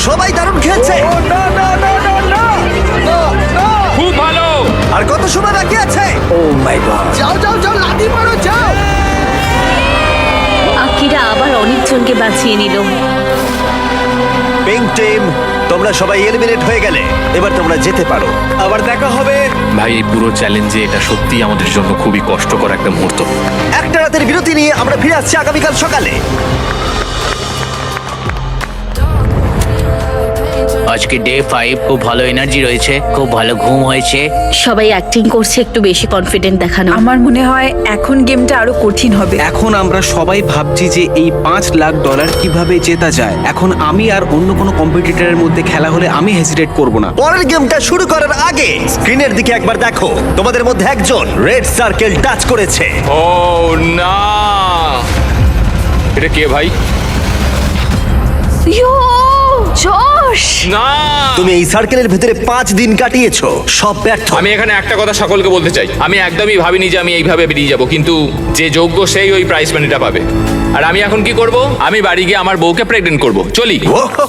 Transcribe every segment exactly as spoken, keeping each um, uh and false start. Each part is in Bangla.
সবাই দারুণ খেলছে। খুব ভালো। আর কত সময় বাকি আছে? ও মাই গড, যাও যাও যাও, লাথি মারো, যাও। আকিরা আবার অনেকজনকে বাঁচিয়ে নিল। পিঙ্ক টিম, তোমরা সবাই এলিমিনেট হয়ে গেলে এবার তোমরা যেতে পারো। আবার দেখা হবে। ভাই এই পুরো চ্যালেঞ্জে এটা সত্যিই আমাদের জন্য খুবই কষ্টকর একটা মুহূর্ত। একটা রাতের বিরতি নিয়ে আমরা ফিরে আসছি আগামীকাল সকালে। আজকে ডে ফাইভ, খুব ভালো এনার্জি রয়েছে, খুব ভালো ঘুম হয়েছে। সবাই অ্যাক্টিং করছে একটু বেশি কনফিডেন্ট দেখানো। আমার মনে হয় এখন গেমটা আরো কঠিন হবে। এখন আমরা সবাই ভাবছি যে এই পাঁচ লাখ ডলার কিভাবে জেতা যায়। এখন আমি আর অন্য কোনো কম্পিটিটরের মধ্যে খেলা হলে আমি হেজিটেট করব না। পরের গেমটা শুরু করার আগে স্ক্রিনের দিকে একবার দেখো। তোমাদের মধ্যে একজন রেড সার্কেল টাচ করেছে। ও না, এটা কে ভাই? Yo, Josh! না, তুমি এই সার্কেলের ভিতরে পাঁচ দিন কাটিয়েছো, সব ব্যর্থ। আমি এখানে একটা কথা সকলকে বলতে চাই, আমি একদমই ভাবিনি যে আমি এইভাবে বেরিয়ে যাব, কিন্তু যে যোগ্য সেই ওই প্রাইজ মানিটা পাবে। আর আমি এখন কি করব? আমি বাড়ি গিয়ে আমার বউকে প্রেগনেন্ট করব। চলি।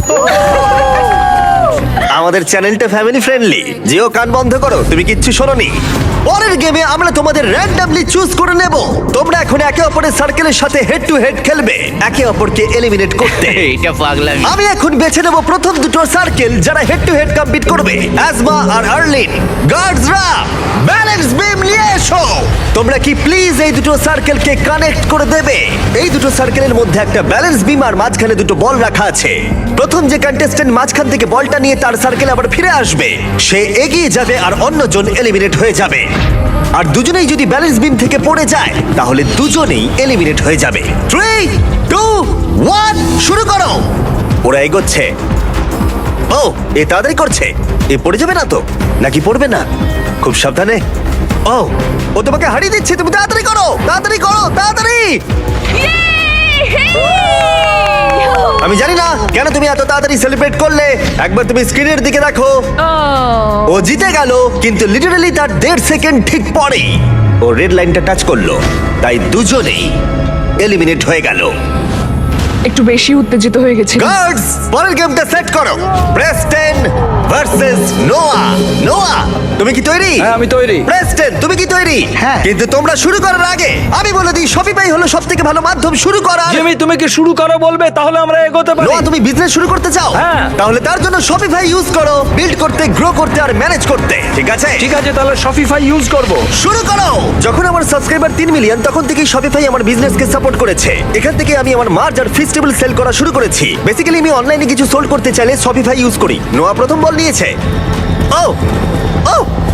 আমাদের চ্যানেলটা ফ্যামিলি ফ্রেন্ডলি। যেও কান বন্ধ করো, তুমি কিচ্ছু শোনোনি। পরের গেমে আমরা তোমাদের র্যান্ডমলি চুজ করে নেব। তোমরা এখন একে অপরের সার্কেলের সাথে হেড টু হেড খেলবে, একে অপরকে এলিমিনেট করতে। এটা পাগলামি। আমি এখন বেছে নেব প্রথম দুটো সার্কেল যারা হেড টু হেড কম্পিট করবে। অ্যাজমা আর আর্লিন, গার্ডসরা ব্যালেন্স বিম নিয়ে এসো। তোমরা কি প্লিজ এই দুটো সার্কেলকে কানেক্ট করে দেবে? এই দুটো সার্কেলের মধ্যে একটা ব্যালেন্স বিম আর মাঝখানে দুটো বল রাখা আছে। প্রথম যে কন্টেস্ট্যান্ট মাঝখান থেকে বলটা নিয়ে তার সার্কেল আবার ফিরে আসবে, সে এগিয়ে যাবে আর অন্যজন এলিমিনেট হয়ে যাবে। আর দুজনেই যদি ব্যালেন্স বিম থেকে পড়ে যায় তাহলে দুজনেই এলিমিনেট হয়ে যাবে। থ্রি টু ওয়ান, শুরু করো। ওরা এগোচ্ছে। ও, এ তাড়াতাড়ি করছে। এ পড়ে যাবে না তো? নাকি পড়বে না? খুব সাবধানে। ও, ও তোমাকে হারিয়ে দিচ্ছে। তুমি তাড়াতাড়ি করো, তাড়াতাড়ি করো, তাড়াতাড়ি। আমি জানি না কেন তুমি এত তাড়াতাড়ি সেলিব্রেট করলে। একবার তুমি স্ক্রিনের দিকে দেখো। ও জিতে গেল, কিন্তু লিটারালি তার দেড় সেকেন্ড ঠিক পরেই ও রেড লাইনটা টাচ করলো, তাই দুজনেই এলিমিনেট হয়ে গেল। একটু বেশি উত্তেজিত হয়ে গেছি। গার্ডস, পরের গেমটা সেট করো। প্রেস্টন ভার্সেস নোয়া। নোয়া, তুমি কি তৈরি? হ্যাঁ, আমি তৈরি। প্রেস্টন, তুমি কি তৈরি? হ্যাঁ। কিন্তু তোমরা শুরু করার আগে আমি বলে দিই, শপিফাই হলো সবথেকে ভালো মাধ্যম শুরু করার। জিমি, তুমি কি শুরু করো বলবে? তাহলে আমরা এগোতে পারি। নোয়া, তুমি বিজনেস শুরু করতে চাও? হ্যাঁ। তাহলে তার জন্য শপিফাই ইউজ করো, বিল্ড করতে, গ্রো করতে আর ম্যানেজ করতে। ঠিক আছে, ঠিক আছে, তাহলে শপিফাই ইউজ করব। শুরু করো। যখন আমার সাবস্ক্রাইবার তিন মিলিয়ন তখন থেকেই শপিফাই আমার বিজনেসকে সাপোর্ট করেছে। এখান থেকে আমি আমার মার্চ আর ফেস্টিভ্যাল সেল করা শুরু করেছি। বেসিক্যালি আমি অনলাইনে কিছু সোল্ড করতে চাইলে শপিফাই ইউজ করি। নোয়া প্রথম বল নিয়েছে। ও ও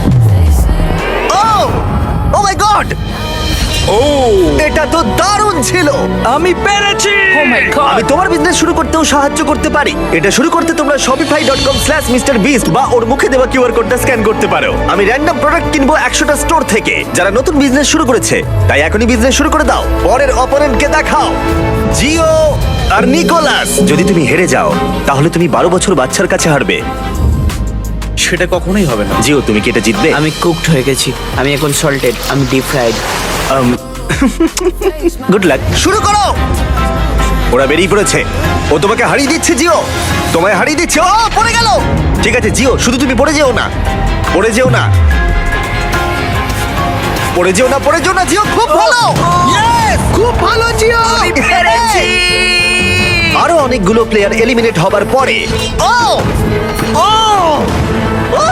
ও ও মাই গড, ও এটা তো দারুণ ছিল। আমি পেরেছি। Oh my God. আমি তোমার বিজনেস শুরু করতেও সাহায্য করতে পারি। এটা শুরু করতে তোমরা Shopify dot com slash mister beast বা ওর মুখে দেওয়া কিউআর কোডটা স্ক্যান করতে পারো। আমি র্যান্ডম প্রোডাক্ট কিনবো একশোটা স্টোর থেকে যারা নতুন বিজনেস শুরু করেছে, তাই এখনই বিজনেস শুরু করে দাও। পরের অপোনেন্টকে দেখাও, জিও আর নিকোলাস। যদি তুমি হেরে যাও তাহলে তুমি বারো বছর বাচ্চার কাছে হারবে। সেটা কখনোই হবে না। জিও, তুমি কি এটা জিতবে? আমি কুকড হয়ে গেছি, আমি এখন সল্টেড, আমি ডিপ ফ্রাইড। গুড লাক, শুরু করো। ওরা বেরিয়ে পড়েছে। ও তোমাকে হারিয়ে দিচ্ছে জিও, তোমায় হারিয়ে দিচ্ছে। ও পড়ে গেল। ঠিক আছে জিও, শুধু তুমি পড়ে যেও না, পড়ে যেও না, পড়ে যেও না, পড়ে যেও না। জিও খুব ভালো, Yes! খুব ভালো, জিও। পেরেছি। আরো অনেকগুলো প্লেয়ার এলিমিনেট হবার পরে ও ও ও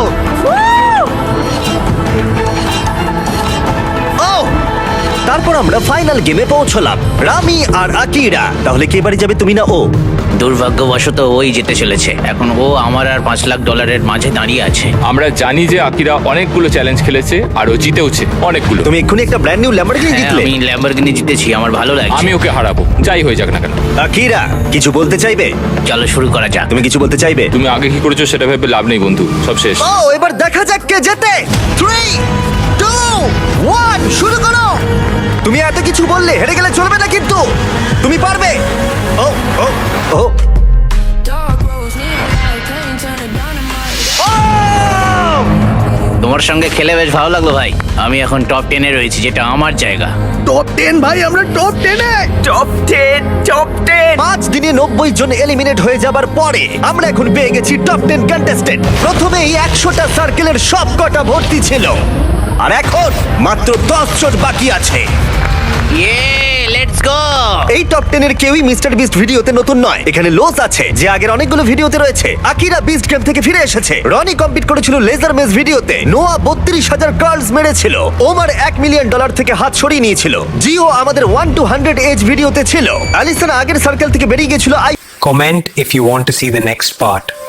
ও তারপর আমরা ফাইনাল গেমে পৌঁছলাম, রামি আর আকিরা। তাহলে কে বাড়ি যাবে, তুমি না ও? দুর্ভাগ্যবশত ওই জিতে চলেছে। এখন ও আমার আর পাঁচ লাখ ডলারের মাঝে দাঁড়িয়ে আছে। আমরা জানি যে আকিরা অনেকগুলো চ্যালেঞ্জ খেলেছে আর ও জিতেওছে অনেকগুলো। তুমি এক্ষুনি একটা ব্র্যান্ড নিউ ল্যাম্বরগিনি হ্যাঁ, জিতলে। আমি ল্যাম্বরগিনি জিতেছি, আমার ভালো লাগছে। আমি ওকে হারাবো, যাই হয়ে যাক না কেন। আকিরা কিছু বলতে চাইবে? চলো শুরু করা যাক। তুমি কিছু বলতে চাইবে? তুমি আগে কি করেছো সেটা ভেবে লাভ নেই বন্ধু, সব শেষ। ও এবার দেখা যাক কে জেতে। থ্রি টু ওয়ান, শুরু করো। তুমি এত কিছু বললে হেরে গেলে চলবে না, কিন্তু তুমি পারবে। ও ও ও ও! তোমার তোমার সঙ্গে খেলে বেশ ভালো লাগলো ভাই। আমি এখন টপ টেনে রয়েছি, যেটা আমার জায়গা। টপ টেন ভাই, আমরা টপ টেনে। টপ টেন টপ টেন পাঁচ দিনে নব্বই জন এলিমিনেট হয়ে যাবার পরে আমরা এখন পেয়ে গেছি টপ টেন কন্টেস্টেন্ট। প্রথমেই একশোটা সার্কেলের সব কটা ভর্তি ছিল, আর এখন মাত্র দশ জন বাকি আছে। ইয়ে, লেটস গো। এই টপ টেন এর কেউই মিস্টার বিস্ট ভিডিওতে নতুন নয়। এখানে লোস আছে যে আগের অনেকগুলো ভিডিওতে রয়েছে। আকিরা বিস্ট গেম থেকে ফিরে এসেছে। রনি কম্পিট করেছিল লেজার মেজ ভিডিওতে। নোয়া বত্রিশ হাজার কার্লস মেরেছিল। ওমার এক মিলিয়ন ডলার থেকে হাত সরিয়ে নিয়েছিল। জিও আমাদের ওয়ান টু হান্ড্রেড এজ ভিডিওতে ছিল। অ্যালিসন আগের সার্কেল থেকে বেরিয়ে গেছিল। I Comment if you want to see the next part.